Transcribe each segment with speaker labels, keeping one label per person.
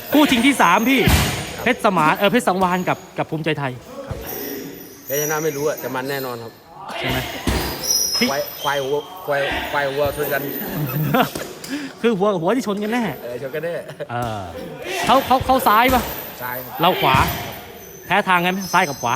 Speaker 1: คู่ชิงที่ 3 พี่เพชรสมานเพชรสังวาลกับภูมิใจไทย
Speaker 2: แพ้ชนะไม่รู้อะแต่มันแน่นอนครับ
Speaker 1: ใช่ไหม
Speaker 2: ควายวัวชนกัน
Speaker 1: คือหัวที่ชนกันแน่
Speaker 2: ชนกันแน่
Speaker 1: เขาซ้ายปะ
Speaker 2: ซ้าย
Speaker 1: เราขวาแพ้ทางไงไหมซ้ายกับขวา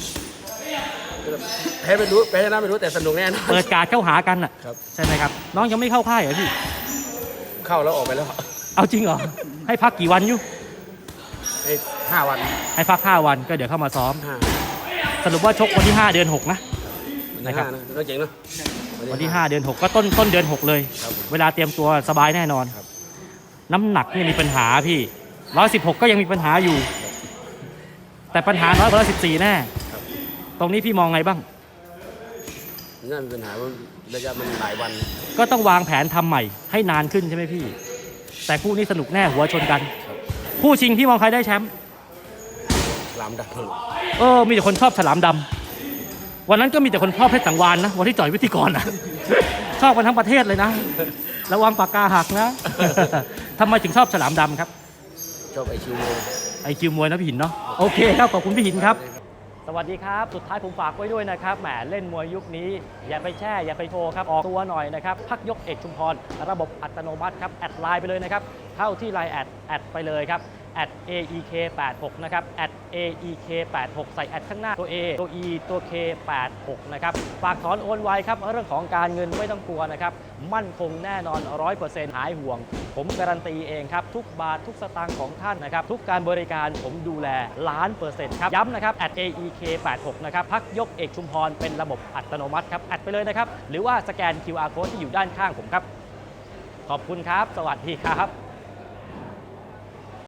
Speaker 2: แพ้ไม่รู้แพ้ชนะไม่รู้แต่สนุกแน่นอน
Speaker 1: เปิดการเข้าหากันอ่ะใช่ไหมครับน้องยังไม่เข้าค่ายเหรอพี่
Speaker 2: เข้าแล้วออกไปแล้ว
Speaker 1: เอาจริงเหรอให้พักกี่วันอยู่
Speaker 2: ให้5 วัน
Speaker 1: ให้พัก5 วันก็เดี๋ยวเข้ามาซ้อมสรุปว่าชกวันที่5 เดือน 6นะครับ
Speaker 2: น่าเจ๋งเนาะ
Speaker 1: วันที่5 เดือน 6ก็ต้นเดือน 6เลยเวลาเตรียมตัวสบายแน่นอนน้ำหนักเนี่ยมีปัญหาพี่116ก็ยังมีปัญหาอยู่แต่ปัญหาน้อยกว่า114แน่ตรงนี้พี่มองไงบ้าง
Speaker 2: น่ามีปัญหาระยะมันหลายวัน
Speaker 1: ก็ต้องวางแผนทำใหม่ให้นานขึ้นใช่ไหมพี่แต่คู่นี้สนุกแน่หัวชนกันคู่ชิงพี่มองใครได้แชมป์
Speaker 2: ฉลามดำ
Speaker 1: มีแต่คนชอบฉลามดำวันนั้นก็มีแต่คนชอบเพชรสังวาลนะวันที่จ่อยวิธีกรนะชอบกันทั้งประเทศเลยนะระวังปากกาหักนะทำไมถึงชอบฉลามดำครับ
Speaker 2: ชอบไอคิว
Speaker 1: มวยนะพี่หินเนาะโอเคครับขอบคุณพี่หินครับสวัสดีครับสุดท้ายผมฝากไว้ด้วยนะครับแหมเล่นมวยยุคนี้อย่าไปแช่อย่าไปโชว์ครับออกตัวหน่อยนะครับพักยกเอกชุมพรระบบอัตโนมัติครับแอดไลน์ไปเลยนะครับเข้าที่ไลน์แอดไปเลยครับ@aek86 นะครับ@aek86 ใส่แอดข้างหน้าตัว A ตัว E ตัว K86 นะครับฝากถอนโอนไวครับเรื่องของการเงินไม่ต้องกลัวนะครับมั่นคงแน่นอน 100% หายห่วงผมการันตีเองครับทุกบาททุกสตางค์ของท่านนะครับทุกการบริการผมดูแล1,000,000%ครับย้ำนะครับ@aek86 นะครับพักยกเอกชุมพรเป็นระบบอัตโนมัติครับแอดไปเลยนะครับหรือว่าสแกน QR Code ที่อยู่ด้านข้างผมครับขอบคุณครับสวัสดีครับ